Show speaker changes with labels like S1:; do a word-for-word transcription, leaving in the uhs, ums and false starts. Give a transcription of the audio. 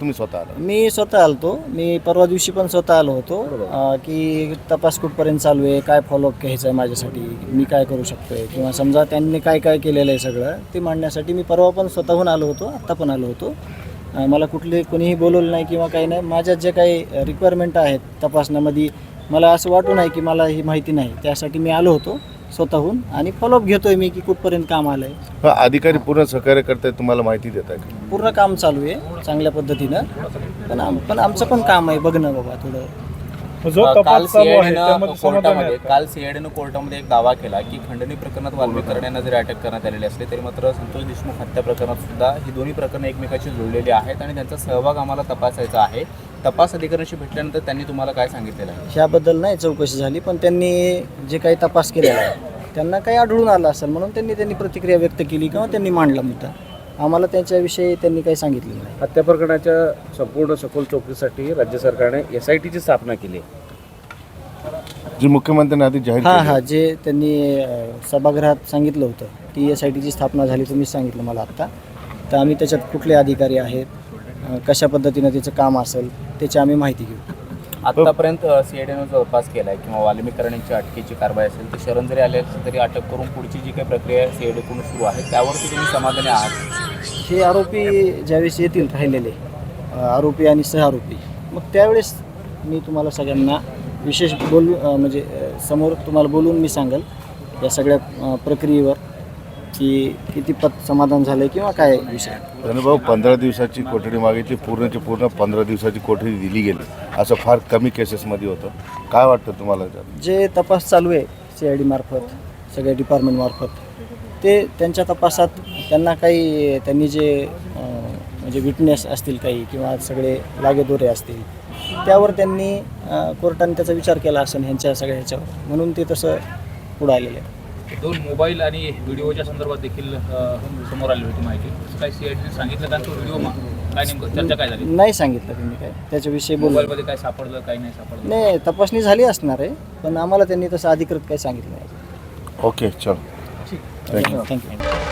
S1: तुम्ही स्वतः आला?
S2: मी स्वतः आलतो. मी परवा दिवशी पण स्वतः आलो होतो अं, की तपास कुठपर्यंत चालू आहे, काय फॉलोअप घ्यायचं आहे माझ्यासाठी, मी काय करू शकतो आहे, किंवा समजा त्यांनी काय काय केलेलं आहे सगळं ते मांडण्यासाठी मी परवा पण स्वतःहून आलो होतो, आत्ता पण आलो होतो. अं, मला कुठले कोणीही बोलवलं नाही किंवा काही नाही. माझ्या जे काही रिक्वायरमेंट आहेत तपासण्यामध्ये मला असं वाटू नाही की मला ही माहिती नाही, त्यासाठी मी आलो होतो स्वतःहून आणि फॉलोअप घेतोय मी की कुठपर्यंत काम आलं आहे.
S1: अधिकारी पूर्ण सहकार्य करतायत, तुम्हाला माहिती देत आहे का?
S2: पूर्ण काम चालू आहे चांगल्या पद्धतीनं. पण आम पण आमचं पण काम आहे बघणं बाबा थोडं.
S3: जो
S4: काल
S3: तपास चालू आहे
S4: सीआयडीनं
S3: त्यामध्ये समाधान
S4: कोर्टामध्ये
S3: आहे का?
S4: काल सीआयडीनं कोर्टामध्ये एक दावा केला की खंडणी प्रकरणात वाल्मीकरण यांना जरी अटक करण्यात आलेली असली तरी मात्र संतोष देशमुख हत्या प्रकरणात सुद्धा ही दोन्ही प्रकरणं एकमेकाशी जुळलेली आहेत आणि त्यांचा सहभाग आम्हाला तपासायचा आहे. तपास अधिकाऱ्यांशी भेटल्यानंतर त्यांनी तुम्हाला काय सांगितलेलं आहे?
S2: ह्याबद्दल नाही चौकशी झाली, पण त्यांनी जे काही तपास केलेला आहे त्यांना काही आढळून आलं असेल म्हणून त्यांनी त्यांनी प्रतिक्रिया व्यक्त केली किंवा त्यांनी मांडला मुद्दा. आम्हाला त्यांच्याविषयी त्यांनी काही सांगितलेलं नाही.
S5: हत्या प्रकरणाच्या संपूर्ण सखोल चौकशीसाठी राज्य सरकारने एस आय टीची स्थापना केली आहे.
S1: जी मुख्यमंत्र्यांनी आधी जाहीर
S2: हां
S1: केली.
S2: हां जे त्यांनी अ, सभागृहात सांगितलं होतं की एस आय टीची स्थापना झाली, तुम्हीच सांगितलं मला आत्ता. तर आम्ही त्याच्यात कुठले अधिकारी आहेत, अ, कशा पद्धतीनं त्याचं काम असेल त्याची आम्ही माहिती घेऊ.
S4: आतापर्यंत सीआयडीनं जो तपास केला आहे किंवा वाल्मीकरण यांची अटकेची कारवाई असेल तर शरण जरी आले असेल तरी अटक करून पुढची जी काही प्रक्रिया सीआयडीकडून सुरू आहे त्यावरती तुम्ही समाधानी आहात?
S2: हे आरोपी ज्यावेळेस येतील राहिलेले अ, आरोपी आणि सहआरोपी, मग त्यावेळेस मी तुम्हाला सगळ्यांना विशेष बोलू अ, म्हणजे अ, समोर तुम्हाला बोलून मी सांगेल या सगळ्या अ, प्रक्रियेवर की किती पत समाधान झालं किंवा काय विषय.
S1: भाऊ पंधरा दिवसाची कोठडी मागितली, पूर्णची पूर्ण पंधरा दिवसाची कोठडी दिली गेली, असं फार कमी केसेसमध्ये होतं. काय वाटतं तुम्हाला?
S2: जे तपास चालू आहे सी आय डी मार्फत सगळ्या डिपार्टमेंटमार्फत ते त्यांच्या तपासात त्यांना काही त्यांनी जे अ, म्हणजे विटनेस असतील काही किंवा सगळे लागेदोरे असतील त्यावर त्यांनी अ, कोर्टाने त्याचा विचार केला असेल ह्यांच्या सगळ्या ह्याच्यावर, म्हणून ते तसं पुढं आलेलं आहे.
S6: दोन मोबाईल आणि व्हिडिओच्या संदर्भात देखील अ, समोर आली होती माहिती. असं काय सीआयडीने सांगितलं का तो व्हिडिओ काय नेमकं चर्चा काय झाली?
S2: नाही सांगितलं त्यांनी काय त्याच्याविषयी बोल.
S6: मोबाईलमध्ये काय सापडलं काय नाही सापडलं?
S2: नाही तपासणी झाली असणार आहे, पण आम्हाला त्यांनी तसं अधिकृत काही सांगितलं नाही.
S1: ओके, चल.
S2: थँक्यू.